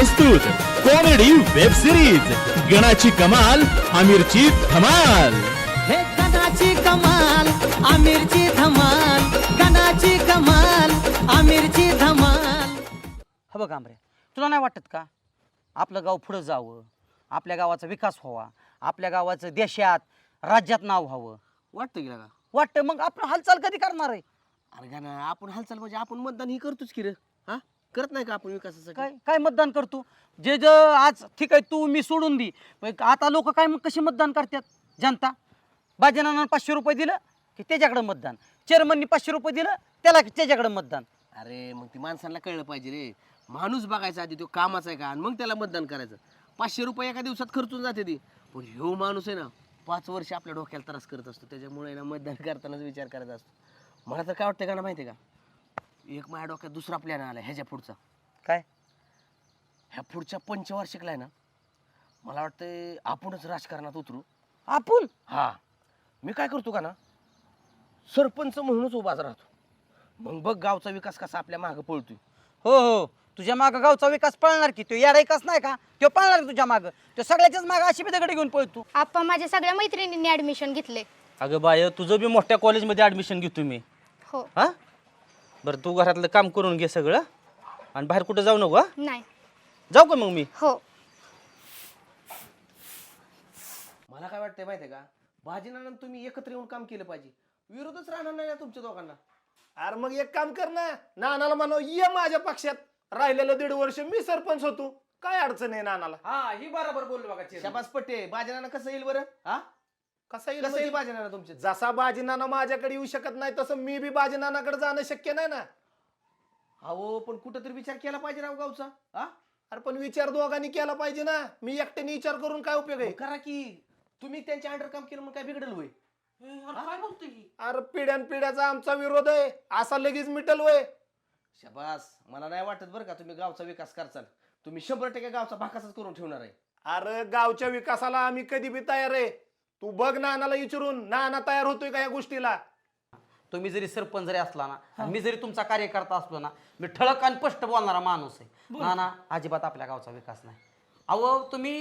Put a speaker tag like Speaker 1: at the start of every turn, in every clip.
Speaker 1: प्रस्तुत comedy web series गणाची कमाल आमिरची धमाल।
Speaker 2: हे गणाची कमाल आमिरची धमाल, गणाची कमाल आमिरची धमाल।
Speaker 3: हा बघ आमरे, तुला नाही वाटत का आपलं गाव पुढे जावं, आपल्या गावाचा विकास व्हावा, आपल्या गावाचं देशात राज्यात नाव व्हावं?
Speaker 4: वाटतं की का?
Speaker 3: वाटतं, मग आपण हालचाल कधी करणार आहे?
Speaker 4: अरे का ना, आपण हालचाल म्हणजे आपण मतदान ही करतोच की रे। हा, करत नाही का आपण विकासासाठी?
Speaker 3: काय काय मतदान करतो? जे जे आज ठीक आहे तू मी सोडून दी, पण आता लोक काय मग कसे मतदान करतात? जनता बाजीनाना 500 रुपये दिलं की त्याच्याकडे मतदान, चेअरमननी 500 रुपये दिलं त्याला त्याच्याकडे मतदान।
Speaker 4: अरे मग ती माणसांना कळलं पाहिजे रे, माणूस बघायचा आधी तो कामाचा आहे का आणि मग त्याला मतदान करायचं। 500 रुपये एका दिवसात खर्चून जाते ती, पण ह्यो माणूस आहे ना 5 वर्ष आपल्या डोक्याला त्रास करत असतो, त्याच्यामुळे ना मतदान करतानाच विचार करायचा असतो। मला तर काय वाटतं का ना माहिती आहे का, एक माझ्या डोक्यात दुसरा प्लॅन आला ह्याच्या पुढचा।
Speaker 3: काय?
Speaker 4: ह्या पुढच्या पंचवार्षिकला आहे ना, मला वाटतं आपणच राजकारणात उतरू।
Speaker 3: आपण?
Speaker 4: हा, मी काय करतो का ना, सरपंच म्हणूनच उभाच राहतो, मग बघ गावचा विकास कसा आपल्या मागं पळतोय।
Speaker 3: हो हो, तुझ्या माग गावचा विकास पळणार की? तो येडा विकास नाही का? तो पळणार तुझ्या माग, तो सगळ्याच्याच माग अशी दगड घेऊन पळतो।
Speaker 5: आप्पा माझ्या सगळ्या मैत्रिणींनी ऍडमिशन घेतले।
Speaker 6: अगं बाय, तुझं बी मोठ्या कॉलेजमध्ये ऍडमिशन घेतो मी।
Speaker 5: हो।
Speaker 6: हा बरं, तू घरातलं काम करून घे सगळं आणि बाहेर कुठं जाऊ नको। हा,
Speaker 5: नाही।
Speaker 6: जाऊ का मग मी?
Speaker 5: हो।
Speaker 4: मला काय वाटतंय माहितीये का, भाजीनाना तुम्ही एकत्र येऊन काम केलं पाहिजे, विरोधच राहणार नाही ना तुमच्या दोघांना।
Speaker 7: अरे मग एक काम कर ना, नानाला म्हणव ये माझ्या पक्षात, राहिलेलं 1.5 वर्ष मी सरपंच होतो, काय अडचण आहे नानाला?
Speaker 4: हा, ही बरोबर बोललो बघा। शाबास पट्टे, भाजीनाना कसं येईल बरं? हा,
Speaker 7: कसा
Speaker 4: कसं येईल भाजीनाना तुमच्या?
Speaker 7: जसा बाजीनाना माझ्याकडे येऊ शकत नाही तसं मी बी बाजीनानाकडे जाणं शक्य नाही ना।
Speaker 4: अहो पण कुठंतरी विचार केला पाहिजे राव गावचा। हा,
Speaker 7: अरे पण विचार दोघांनी केला पाहिजे ना, मी एकट्याने विचार करून काय उपयोग आहे?
Speaker 4: मग करा की, तुम्ही त्यांच्या अंडर काम केलं मग काय बिघडल होय?
Speaker 3: काय बोलतोय?
Speaker 7: अरे पिढ्यान पिढ्याचा आमचा विरोध आहे, असा लगेच मिटल वय?
Speaker 4: शाबास, मला नाही वाटत बरं का तुम्ही गावचा विकास करचाल, तुम्ही 100% गावचा भाकासच करून ठेवणार आहे।
Speaker 7: अरे गावच्या विकासाला आम्ही कधी बी तयार आहे, तू बघ नानाला विचारून, नाना तयार होतोय का या गोष्टीला?
Speaker 3: तुम्ही जरी सरपंच जरी असला ना, आणि मी जरी तुमचा कार्यकर्ता असलो ना, मी ठळक आणि स्पष्ट बोलणारा माणूस आहे ना। ना अजिबात आपल्या गावचा विकास नाही। अहो तुम्ही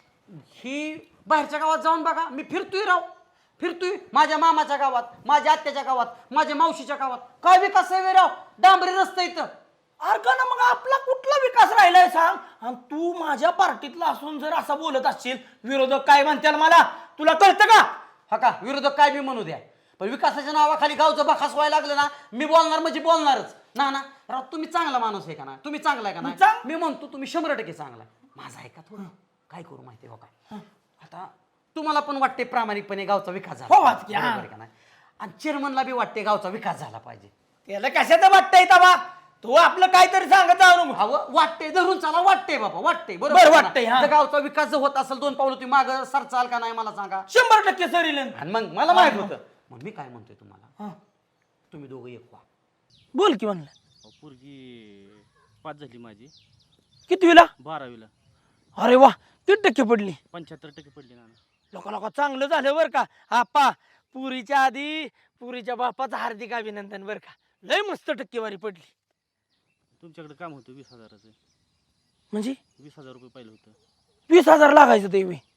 Speaker 3: ही बाहेरच्या गावात जाऊन बघा, मी फिरतोय राव, फिरतोय माझ्या मामाच्या गावात, माझ्या आत्याच्या गावात, माझ्या मावशीच्या गावात, काय विकास आहे राव? डांबरी रस्ता इथं।
Speaker 8: अरे का ना, मग आपला कुठला विकास राहिलाय सांग? आणि तू माझ्या पार्टीतला असून जर असं बोलत असशील, विरोधक काय म्हणतील मला तुला कळतं का?
Speaker 3: हा का, विरोधक काय बी म्हणू द्या, पण विकासाच्या नावाखाली गावचं बखास व्हायला लागलं ना, मी बोलणार म्हणजे बोलणारच ना। ना राव, तुम्ही चांगला माणूस आहे का ना? तुम्ही चांगला आहे का नाही? मी म्हणतो तुम्ही 100% चांगला आहे। माझा आहे का थोडं? काय करू माहिती हो काय, आता तुम्हाला पण वाटते प्रामाणिकपणे गावचा विकास झाला
Speaker 8: हो,
Speaker 3: पाहिजे, बरोबर आहे का नाही? आणि चेअरमनला बी वाटते गावचा विकास झाला पाहिजे।
Speaker 8: त्याला कशाचं वाटतंय तबा? तू आपलं काहीतरी सांगत जाऊ नको।
Speaker 3: अहो वाटते, धरून चाला, वाटते बाबा, वाटते
Speaker 8: बरं
Speaker 3: बरोबर
Speaker 8: वाटतंय, हा.
Speaker 3: जर गावचा विकास जर होत असेल 2 पावलं तुम्ही मागं सरचाल का नाही मला सांगा?
Speaker 8: 100% सरील।
Speaker 3: आणि मग मला माहित होतं, मग मी काय म्हणतोय तुम्हाला, तुम्ही दोघं एक व्हा।
Speaker 8: बोल की म्हणलं।
Speaker 6: पोरगी 5 झाली माझी,
Speaker 8: कितवीला?
Speaker 6: 12वीला।
Speaker 8: अरे वा, किती टक्के पडली?
Speaker 6: 75% पडली ना।
Speaker 8: लोक चांगलं झालं बरं का आप्पा, पुरीच्या आधी पुरीच्या बापाचं हार्दिक अभिनंदन बरं का, लय मस्त टक्केवारी पडली।
Speaker 6: तुमच्याकडे काम होतं 20,000चं,
Speaker 8: म्हणजे
Speaker 6: 20,000 रुपये पाहिलं होतं।
Speaker 8: 20,000 लागायचं ते बी?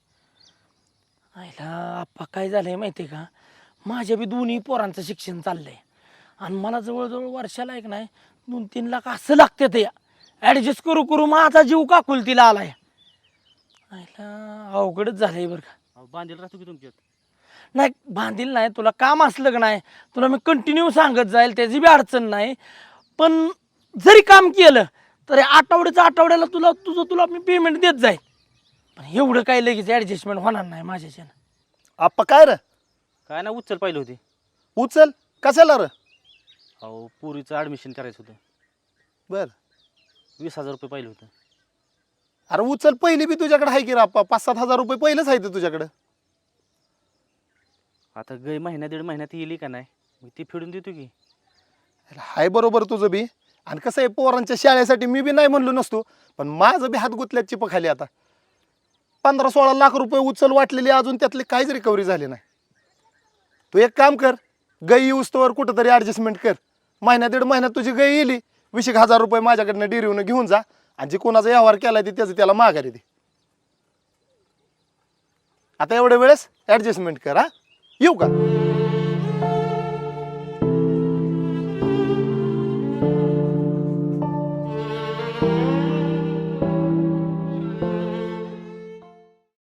Speaker 8: आईला आप्पा काय झालंय माहितीये का, माझ्या बी दोन्ही पोरांचं शिक्षण चाललंय आणि मला जवळजवळ वर्षाला एक नाही 2-3 लाख असं लागते ते, ऍडजस्ट करू करू माझा जीव काकुलतीला आलाय। आईला अवघडच झालंय बरं का।
Speaker 6: अहो बांधील राहतो की तुमच्यात?
Speaker 8: नाही बांधील नाही, तुला काम असलं का नाही तुला मी कंटिन्यू सांगत जाईल, त्याची बी अडचण नाही, पण जरी काम केलं तरी आठवड्याला तुला मी पेमेंट देत जाईल, पण एवढं काही लगेच ॲडजस्टमेंट होणार नाही माझ्याच्यानं।
Speaker 7: आप्पा काय रे?
Speaker 6: काय ना, उचल पाहिलं होती।
Speaker 7: उचल कशाला रे?
Speaker 6: अहो पुरीचं ॲडमिशन करायचं होतं,
Speaker 7: बर
Speaker 6: 20,000 रुपये पाहिलं होतं।
Speaker 7: अरे उचल, पहिली बी तुझ्याकडे आहे की रे आप्पा? 5-7 हजार रुपये पहिलेच आहे ते तुझ्याकडे।
Speaker 6: आता गई महिन्या 1.5 महिन्यात येईल का नाही, मग ती फेडून देतो की।
Speaker 7: हाय बरोबर तुझं बी, आणि कसं आहे पोरांच्या शाळेसाठी मी बी नाही म्हणलो नसतो, पण माझं बी हात गुतल्यात चिपखाली। आता 15-16 लाख रुपये उचल वाटलेली, अजून त्यातली काहीच रिकव्हरी झाली नाही। तू एक काम कर, गई येऊस्तोवर कुठंतरी ॲडजस्टमेंट कर, महिन्या 1.5 महिन्यात तुझी गई येली 20,000 रुपये माझ्याकडनं डेअरीवरून घेऊन जा आणि जे कोणाचा व्यवहार केलाय ते त्याचं त्याला माघारी दे. आता एवढ्या वेळेस ऍडजस्टमेंट कर. हा, येऊ का?